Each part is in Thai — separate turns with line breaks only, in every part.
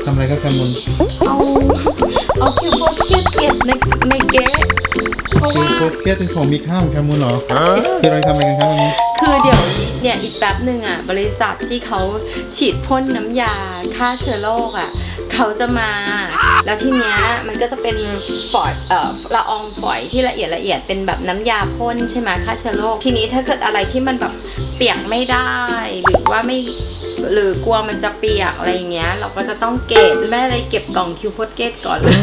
ทำอะไรครับแคมุน
เอาคิวโพสเก็ตในเก๊ะเพราะ
คือ
ว่า
โคตรเครียดเป็นของมีค่าของแคมุนเหรอคือเราทำอะไรกันครับวันนี้
คือเดี๋ยวเนี่ยอีกแป๊บหนึ่งอ่ะบริษัทที่เขาฉีดพ่นน้ำยาฆ่าเชื้อโรคอ่ะเขาจะมาแล้วทีเนี้ยมันก็จะเป็นฝอยละอองฝอยที่ละเอียดเป็นแบบน้ำยาพ่นใช่ไหมฆ่าเชื้อโรคทีนี้ถ้าเกิดอะไรที่มันแบบเปียกไม่ได้หรือว่าไม่หรือกลัวมันจะเปียกอะไรอย่างเงี้ยเราก็จะต้องเก็บแม่เลยเก็บกล่องคิวโพสเกตก่อนเลย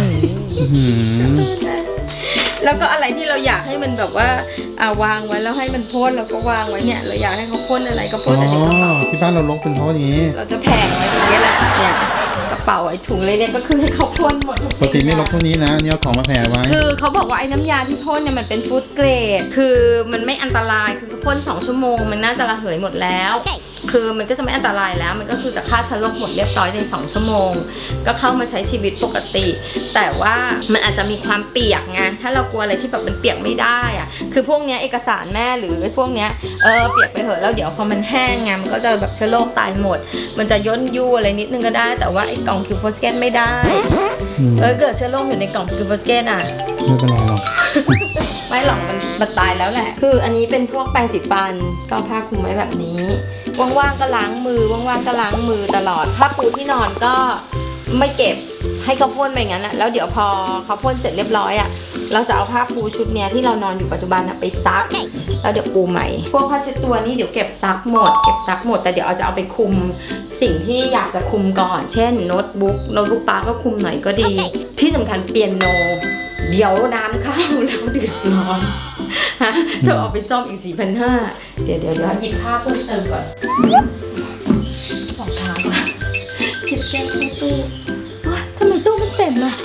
แล้วก็อะไรที่เราอยากให้มันแบบว่าวางไว้แล้วให้มันพ่นเราก็วางไว้เนี่ยเราอยากให้เขาพ่นอะไรก็พ่นแต่เดี๋ยวกระเป๋า
ที่บ้านเราลกเป็นเพราะอย่างนี้
เราจะแผงไว้ตรงนี้แหละเนี่ยกระเป๋าไอ้ถุงเลยเนี่ยก็คือให้เขาพ่นหมดทุก
ปกติไม่ลกเท่านี้นะนี่เอาของมาแผ่ไว้
คือเขาบอกว่าไอ้น้ำยาที่พ่นเนี่ยมันเป็นฟู้ดเกรดคือมันไม่อันตรายคือเขาพ่น2 ชั่วโมงมันน่าจะระเหยหมดแล้วคือมันก็จะไม่อันตรายแล้วมันก็คือจะฆ่าเชื้อโรคหมดเรียบร้อยใน2 ชั่วโมงก็เข้ามาใช้ชีวิตปกติแต่ว่ามันอาจจะมีความเปียกไงถ้าเรากลัวอะไรที่แบบมันเปียกไม่ได้อะคือพวกเนี้ยเอกสารแม่หรือพวกเนี้ยเปียกไปเหอะแล้วเดี๋ยวพอมันแห้งไงมันก็จะแบบเชื้อโรคตายหมดมันจะย่นยู่อะไรนิดนึงก็ได้แต่ว่าไอ้กล่องคิวโพสเกตไม่ได้เกิดเชื้อโรคอยู่ในกล่องคิวโพสเกตอ่ะ
ไม่เป็นไรหรอก
ไม่หรอกมันตายแล้วแหละคืออันนี้เป็นพวกแปรงสีฟันก็ผ้าคลุมไว้แบบนี้ว่างๆก็ล้างมือว่างๆก็ล้างมือตลอดผ้าปูที่นอนก็ไม่เก็บให้เขาพ่นไปงั้นอะแล้วเดี๋ยวพอเขาพ่นเสร็จเรียบร้อยอะเราจะเอาผ้าปูชุดเนี้ยที่เรานอนอยู่ปัจจุบันไปซักแล้วเดี๋ยวปูใหม่พวกผ้าเช็ดตัวนี่เดี๋ยวเก็บซักหมดแต่เดี๋ยวจะเอาไปคุมสิ่งที่อยากจะคุมก่อนเช่นโน้ตบุ๊กป้าก็คุมหน่อยก็ดีที่สำคัญเปียโนเดี๋ยวน้ำเข้าแล้วเดือดร้อนฮะเธอเอาไปซ่อมอีก 4,500 เดี๋ยวหยิบผ้าเพิ่มเติมก่อนรองเท้าอะเก็บแก้วเข้าตู้ทำไมตู้มันเต็มอะ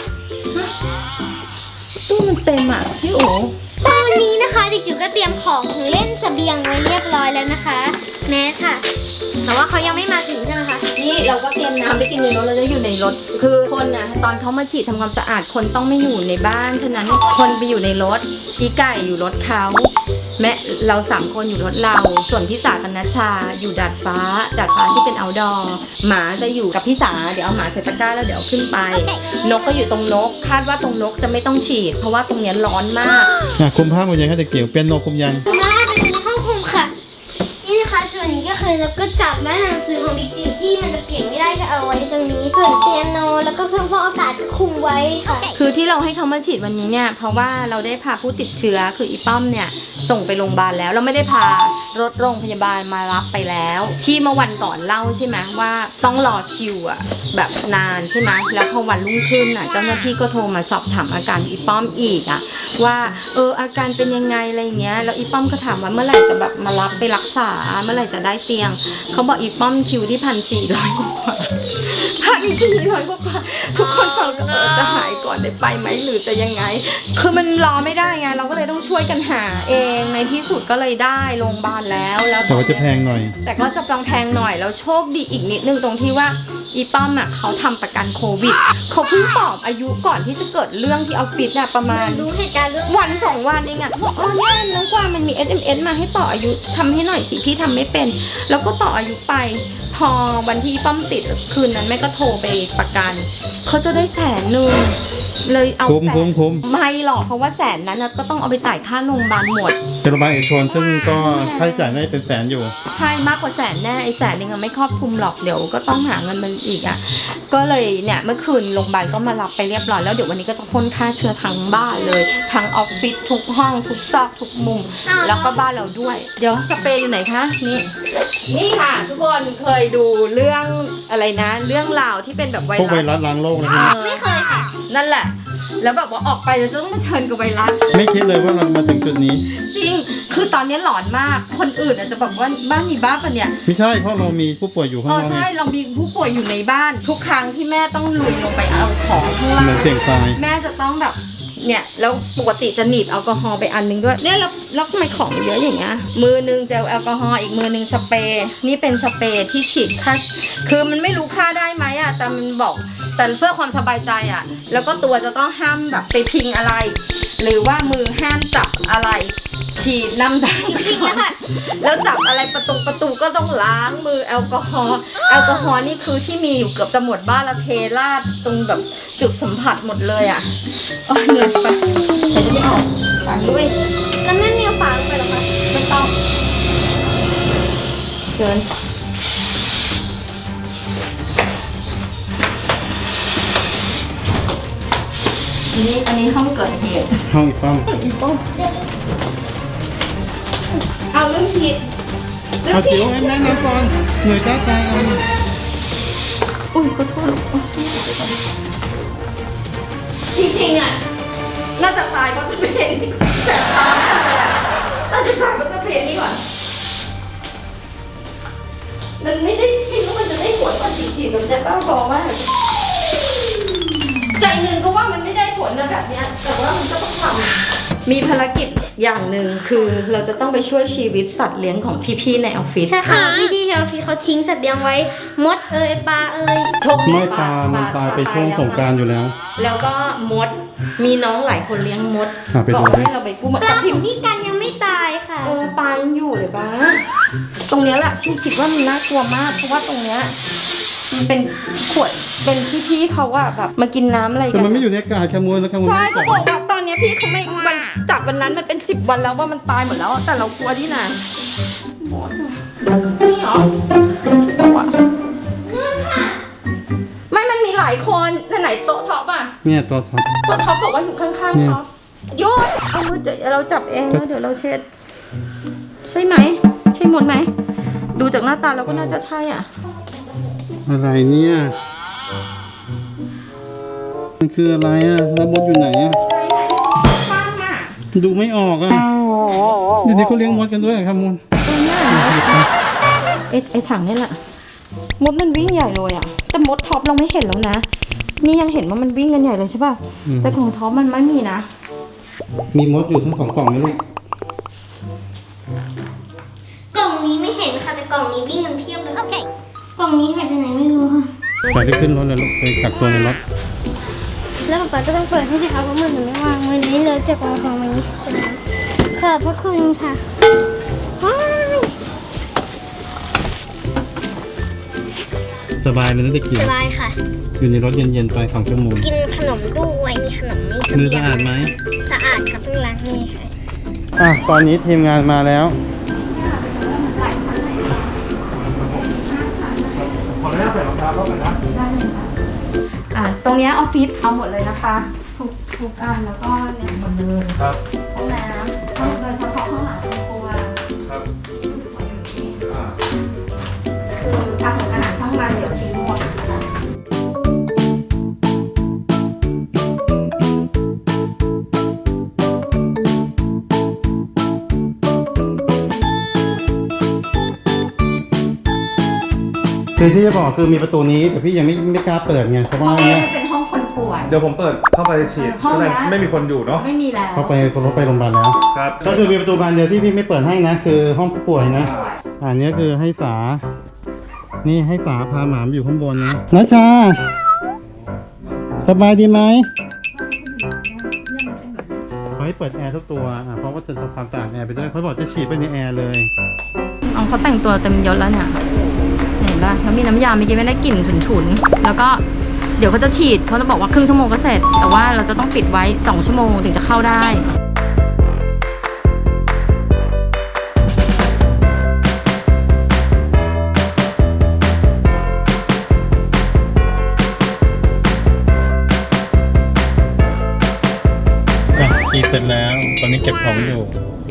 ตู้มันเต็มอะพี่โอ๋
ตอนนี้นะคะเด็กจิ๋วก็เตรียมของเล่นเสบียงไว้เรียบร้อยแล้วนะคะแม่ค่ะแต่ว่าเขายังไม่มาถึงใช่ไหมคะ
นี่เราก็เตรียมน้ำไปกินในรถเราจะอยู่ในรถคือคนนะตอนเขามาฉีดทำความสะอาดคนต้องไม่อยู่ในบ้านฉะนั้นคนไปอยู่ในรถพี่ไก่อยู่รถเขาแม่เรา3 คนอยู่รถเราส่วนพี่สากับนัชชาอยู่ดาดฟ้าที่เป็นoutdoorหมาจะอยู่กับพี่สาเดี๋ยวเอาหมาใส่ตะกร้าแล้วเดี๋ยวขึ้นไปนกก็อยู่ตรงนกคาดว่าตรงนกจะไม่ต้องฉีดเพราะว่าตรงนี้ร้อนมาก
คุมผ้าหมดยังคะเด็กจิ๋วเปียโนคุมยัง
มาไปดูในห้องคุมค่ะนี่นะคะส่วนนี้ก็คือเราก็จับหน้าหนังสือของเด็กจิ๋วที่มันจะเปลี่ยนไม่ได้ก็เอาไว้ตรงนี้ส่วนเปียโนแล้วก็เครื่องฟอกอากาศก็คุมไว้ค่ะ
คือที่เราให้เขามาฉีดวันนี้เนี่ยเพราะว่าเราได้พาผู้ติดเชื้อคืออีป้อมเนี่ยส่งไปโรงพยาบาลแล้วเราไม่ได้พารถโรงพยาบาลมารับไปแล้วที่เมื่อวันก่อนเล่าใช่ไหมว่าต้องรอคิวอะแบบนานใช่ไหมแล้วพอวันรุ่งขึ้นอะเจ้าหน้าที่ก็โทรมาสอบถามอาการอีป้อมอีกอะว่าอาการเป็นยังไงอะไรเงี้ยแล้วอีป้อมก็ถามว่าเมื่อไหร่จะแบบมารับไปรักษาเมื่อไหร่จะได้เตียงเขาบอกอีป้อมคิวที่1,400 กว่า1,400 กว่าทุกคนฟังจะหายก่อนได้ไปไหมหรือจะยังไงคือมันรอไม่ได้ไงเราก็เลยต้องช่วยกันหาเองในที่สุดก็เลยได้โรงพยาบาลแล้ว
แต่ว่าจะแพงหน่อย
แต่ก็จะแพงหน่อยแล้วโชคดีอีกนิดนึงตรงที่ว่าอีป้อมอะเขาทำประกันโควิดเขาเพิ่งตอบอายุก่อนที่จะเกิดเรื่องที่ออฟฟิศอะประมาณ
รู้เหตุการณ์เรื่อง
วัน2 วันเองอะบอกเนี่ยน้องกวางมันมี SMS มาให้ต่ออายุทำให้หน่อยสิพี่ทำไม่เป็นแล้วก็ต่ออายุไปพอวันที่ป้อมติดคืนนั้นแม่ก็โทรไปประกันเขาจะได้100,000เลยเอา
คุ้ม
ไม่หรอกเพราะว่า100,000นั้นก็ต้องเอาไปจ่ายค่าโรงพยาบาลหมด
โรงพยาบาลเอกชนซึ่งก็ค่าใช้จ่ายน่าจะเป็นแสนอยู่
ใช่มากกว่า100,000แน่ไอ้100,000นึงไม่ครอบคลุมหรอกเดี๋ยวก็ต้องหาเงินมันอีกอ่ะก็เลยเนี่ยเมื่อคืนโรงพยาบาลก็มารับไปเรียบร้อยแล้วเดี๋ยววันนี้ก็จะพ่นฆ่าเชื้อทั้งบ้านเลยทั้งออฟฟิศทุกห้องทุกซอกทุกมุมแล้วก็บ้านเราด้วยเดี๋ยวสเปรย์อยู่ไหนคะนี่ค่ะทุกคนเคยดูเรื่องอะไรนะเรื่องราวที่เป็นแบบไวรัส
พวกไวรัสล้างโลกนะ
ไม่เคยค่ะ
นั่นแหละแล้วแบบว่าออกไปเราจะต้องมาเชิญกับไวรัส
ไม่คิดเลยว่าเรามาถึงจุดนี้
จริงคือตอนนี้หลอนมากคนอื่นอาจจะแบบว่าบ้านมีบ้าปะเนี่ย
ไม่ใช่เพราะเรามีผู้ป่วยอยู่ข้างนอก
ใช่เรามีผู้ป่วยอยู่ในบ้านทุกครั้งที่แม่ต้องลุยลงไปเอาของข้างล่าง
เหมือนเสียงทราย
แม่จะต้องแบบเนี่ยแล้วปกติจะหนีบแอลกอฮอล์ไปอันนึงด้วยเนี่ยแล้วทำไมของเยอะอย่างเงี้ยมือนึงเจลแอลกอฮอล์อีกมือนึงสเปรย์นี่เป็นสเปรย์ที่ฉีดฆ่าคือมันไม่รู้ฆ่าได้ไหมอะแต่มันบอกแต่เพื่อความสบายใจอะแล้วก็ตัวจะต้องห้ามแบบไปพิงอะไรหรือว่ามือห้ามจับอะไรฉีดน้ำตาล
จริงๆแล้วค่ะ
แล้วจับอะไรประตูก็ต้องล้างมือแอลกอฮอล์นี่คือที่มีอยู่เกือบจะหมดบ้านละเทราดตรงแบบจุดสัมผัสหมดเลยอ่ะอ๋อเหนื่อยไปเห็นไม่ออกฝานด้วย
แล้วไม่มีฝาลงไปหรอคะ
ไม่ต้องเกินอันนี้ห้องเกิดเหตุ
ห้องอีกป้อม
อีป้องเอาเรื่องผิด
เอาจิ๋วให้แม่ในก่อนเหนื่อยจ้าใจเอา
อุ้ยขอโทษจริงๆอ่ะน่าจะตายเพราะสเปรย์นี่แต่ตายน่าจะตายเพราะสเปรย์นี่ก่อนมันไม่ได้คิดว่ามันจะได้ผลว่าจริงๆมันจะบ้าบอมากใจหนึ่งก็ว่ามันไม่ได้ผลนะแบบเนี้ยแต่ว่ามันก็ต้องทำมีภารกิจอย่างหนึ่งคือเราจะต้องไปช่วยชีวิตสัตว์เลี้ยงของพี่ๆในออฟฟิศ
ใช่ค่ะพี่ที่ออฟฟิศเขาทิ้งสัตว์เลี้ยงไว้มดปลา
โชคดี
ไม่ตามมันตายไปช่วงสงกรานต์อยู่แล้ว
แล้วก็มดมีน้องหลายคนเลี้ยงมด
ไป
บ
ดู
อก
ดิ
ให้เราไปกู้มา
ป
แต่
ลาข
พิ
อ
ม
ง
พ์
พี่กันยังไม่ตายค่ะ
ปลายังอยู่เลยบ้าตรงเนี้ยแหละที่คิดว่ามันน่ากลัวมากเพราะว่าตรงเนี้ยมันเป็นขวดเป็นพี่ๆเขาอะแบบมากินน้ำอะไร
แต่
กัน
มันไม่อยู่ในอากาศขโมยแล้วขโมย
ใช่เขาบอกว่าตอนเนี้ยพี่เขาไม่มันจากวันนั้นมันเป็น10 วันแล้วว่ามันตายหมดแล้วแต่เรากลัวที่ไหนหมดนี่เหรอใช่ปะวะไม่มันมีหลายคนไหนโต๊ะท็อปอะ
เนี่ยตัวท็อป
ตัวท็อปบอกว่าอยู่ข้าง
เนี่
ๆ
ย
ท็อปโยนเอามือจะเราจับเองแล้วเดี๋ยวเราเช็ด ใช่ไหม ใช่หมดไหม ดูจากหน้าตาเราก็น่าจะใช่อ่ะ
อะไรเนี่ยมันคืออะไรอ่ะแล้วมดอยู่ไหนอ่ะ
ข้างอ่ะ
ดูไม่ออกอ่ะเดี๋ยวนี้เขาเลี้ยงมดกันด้วยครับมูล
ตัวเนี้ยไอ้ถังนี่แหละ มดมันวิ่งใหญ่เลยอ่ะ แต่มดท็อปเราไม่เห็นแล้วนะ นี่ยังเห็นว่ามันวิ่งกันใหญ่เลยใช่ป่ะ แต่ของท็อปมันไม่มีนะ
มีมดอยู่ทั้ง2 กล่องเลยลูก
กล่องนี้ไม่เห็นค่ะแต่กล่องนี้วิ่งกันเพียบเลยโอเคกล่องนี้หายไปไหนไม่รู้ค่ะ
ไปได้ขึ้นรถเลยลูกไปกักตัวในรถ
แล้วป๊าก็ต้องเปิดให้สิคะเพราะมือหนูไม่วางมือนี้เลยจากวางของมันนี้ขอบพระคุณค่ะว้าย
สบายเลยนะเด็กจิ๋ว
สบายค่ะ
อยู่ในรถเย็นๆไป2 ชั่วโมง
กินขนมด้วยมีขนมนี่
มือสะอาดไหม
สะอาดค่ะเพิ่งล้างมือค่ะ
ตอนนี้ทีมงานมาแล้ว
ตรงเนี้ยออฟฟิศเอาหมดเลยนะคะ ทุกอันแล้วก็เนี่ยหมดเลย
ครับ
ห้องน้ำโดยเฉพาะห้องหลังครัว
ครับ
คืออาหารช่างมันเดี๋ยวทิ้งหมดนะคะ
คือที่จะบอกคือมีประตูนี้แต่พี่ยังไม่กล้าเปิดไงเพราะว่า
ห้องนี้
เนี่ย
เป็นห้องคนป่วย
เดี๋ยวผมเปิดเข้าไปฉีด
ห้อง
ก็เลย
เนี้ย
ไม่มีคนอยู่เนาะ
ไม่มีแล้ว
เขาไปโรงพยาบาลแล้ว
ครับ
ก็คือมีประตูบานเดียวที่พี่ไม่เปิดให้นะ คือห้องผู้ป่วยนะ อันนี้คือให้สา นี่ให้สาพาหมามาอยู่ข้างบนนะนัชชาสบายดีไหมเขาให้เปิดแอร์ทุกตัวเพราะว่าจะทำความสะอาดแอร์ไปด้วยเขาบอกจะฉีดไปในแอร์เลย
เอาเขาแต่งตัวเต็มยศแล้วเนี่ยเห็นป่ะแล้วมีน้ำยาเมื่อกี้ไม่ได้กลิ่นฉุนๆแล้วก็เดี๋ยวเขาจะฉีดเขาจะบอกว่าครึ่งชั่วโมงก็เสร็จ แต่ว่าเราจะต้องปิดไว้2 ชั่วโมงถึงจะเข้าได้
ฉีดเสร็จแล้ว ตอนนี้เก็บของอยู่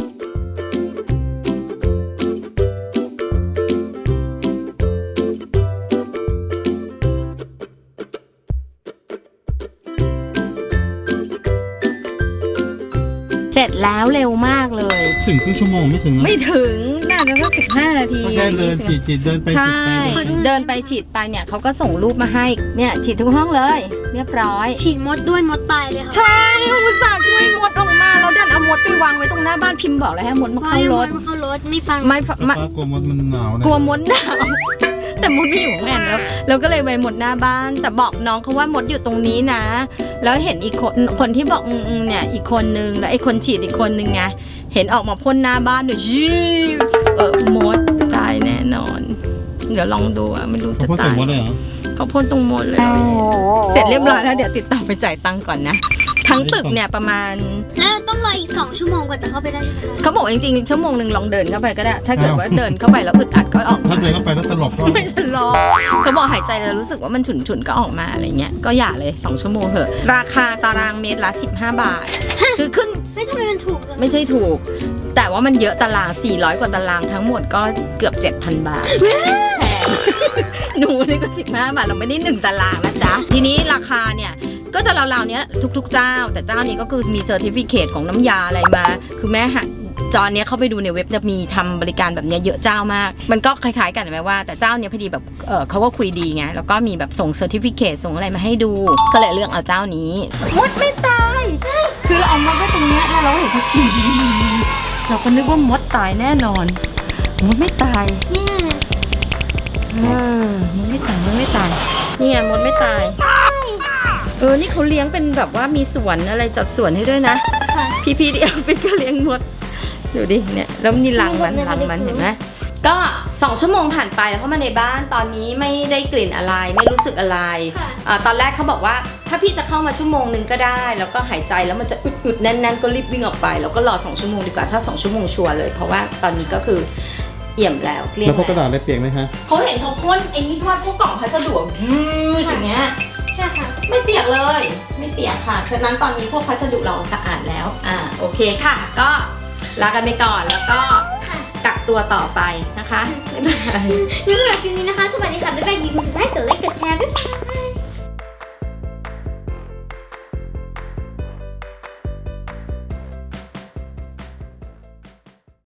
เสร็จแล้วเร็วมากเลย
ถึงครึ่งชั่วโมงไม่ถึงนะ
ไม่ถึงน่าจะสัก15 นาที
ก็แค่เดินฉีดเดินไป
ใช่
ฉีดไป
เดินไปฉีดไปเนี่ยเขาก็ส่งรูปมาให้เนี่ยฉีดทุกห้องเลย เรียบร้อย
ฉีดมดด้วยมดตายเลยค่ะ
ใช่อุตส่าห์ช่วยมดออกมาเราดันเอามดไปวางไว้ตรงหน้าบ้านพิมพ์บอกเลยให้มดมาเข้ารถ
เข้ารถไม่ฟัง
ไม่
ป้ากลัวมดมันหนาวนะ
กลัวมดหนาวแต่มดไม่อยู่ข้างในแล้วเราก็เลยไปมดหน้าบ้าน แต่บอกน้องเขาว่ามดอยู่ตรงนี้นะ แล้วเห็นอีกคนที่บอกเนี่ยอีกคนนึงแล้วไอ้คนฉีดอีกคนนึงไงเห็นออกมาพ่นหน้าบ้านด้วยมดตายแน่นอน เดี๋ยวลองดูอะไม่รู้จะ
พ่อ
ตา
ใส่
ย
มดเลยเหรอ
เขาพ่นตรงมดเลยเสร็จเรียบร้อยแล้วเดี๋ยวติดต่อไปจ่ายตังค์ก่อนนะทั้งตึกเนี่ยประมาณ
แล้วต้องรออีก2 ชั่วโมงกว่าจะเข้าไปได้ใช่ไหมคะ
เขาบอกจริงๆชั่วโมงหนึ่งลองเดินเข้าไปก็ได้ ถ้าเกิดว่าเดินเข้าไปแล้วอึดอัดก็ออก
ถ้าเดินเข้าไปแล้วสลบก็
ไม่สลบเขาบอกหายใจแล้วรู้สึกว่ามันฉุนๆก็ออกมาอะไรเงี้ยก็อย่าเลย2 ชั่วโมงเถอะราคาตารางเมตรละ15 บาทคือขึ้น
ไม่ทำไมมันถูกจัง
ไม่ใช่ถูก แต่ว่ามันเยอะตาราง400 กว่าตารางทั้งหมดก็เกือบ 7,000 บาทแพงหนูนี่ก็15 บาทเราไม่ได้1ตารางนะจ๊ะทีนี้ราคาเนี่ยก็จะราวๆเนี้ยทุกๆเจ้าแต่เจ้านี้ก็คือมีเซอร์ติฟิเคตของน้ำยาอะไรมาคือแม่หาตอนนี้เข้าไปดูในเว็บจะมีทำบริการแบบนี้เยอะเจ้ามาก มันก็คล้ายๆกันไหมว่าแต่เจ้าเนี้ยพอดีแบบเขาก็คุยดีไงแล้วก็มีแบบส่งเซอร์ติฟิเคตส่งอะไรมาให้ดูก็เลยเลือกเอาเจ้านี้มดไม่ตายคือเราเอามดไว้ตรงเนี้ยแล้วเราเห็นเขาฉี่เราก็นึกว่ามดตายแน่นอนมดไม่ตาย
เนี่ย
มดไม่ตายมดไม่ตายนี่ไงมดไม่ตายนี่เขาเลี้ยงเป็นแบบว่ามีสวนอะไรจัดสวนให้ด้วยนะ
ค่ะ
พี่ที่ออฟฟิศก็เลี้ยงมดดูดิเนี่ยแล้วมีรังมันเห็นไหมก็2 ชั่วโมงผ่านไปแล้วเข้ามาในบ้านตอนนี้ไม่ได้กลิ่นอะไรไม่รู้สึกอะไรตอนแรกเขาบอกว่าถ้าพี่จะเข้ามาชั่วโมงนึงก็ได้แล้วก็หายใจแล้วมันจะอึดๆแน่นๆก็รีบวิ่งออกไปแล้วก็รอ2 ชั่วโมงดีกว่าถ้า2 ชั่วโมงชัวร์เลยเพราะว่าตอนนี้ก็คือเอี่ยมแล้วเกลี้ยง
แล้วพวกกระ
แล้ว
ดาษอะไรเปียกไหมคะ
เขาเห็นเขาพ่นไอ้นี่ว่าพวกกล่องพัสดุอย่างเงี้ย
ใช่ค่ะ
ไม่เปียกเลยไม่เปียกค่ะฉะนั้นตอนนี้พวกพัสดุเราสะอาดแล้วโอเคค่ะก็ลากันไปก่อนแล้วก็กักตัวต่อไปนะคะบ๊ายบาย
นี่สำหรับคลิปนี้นะคะ สวัสดีค่ะ บ๊ายบาย อย่าลืม subscribe กดไลค์ กดแชร์ บ๊ายบาย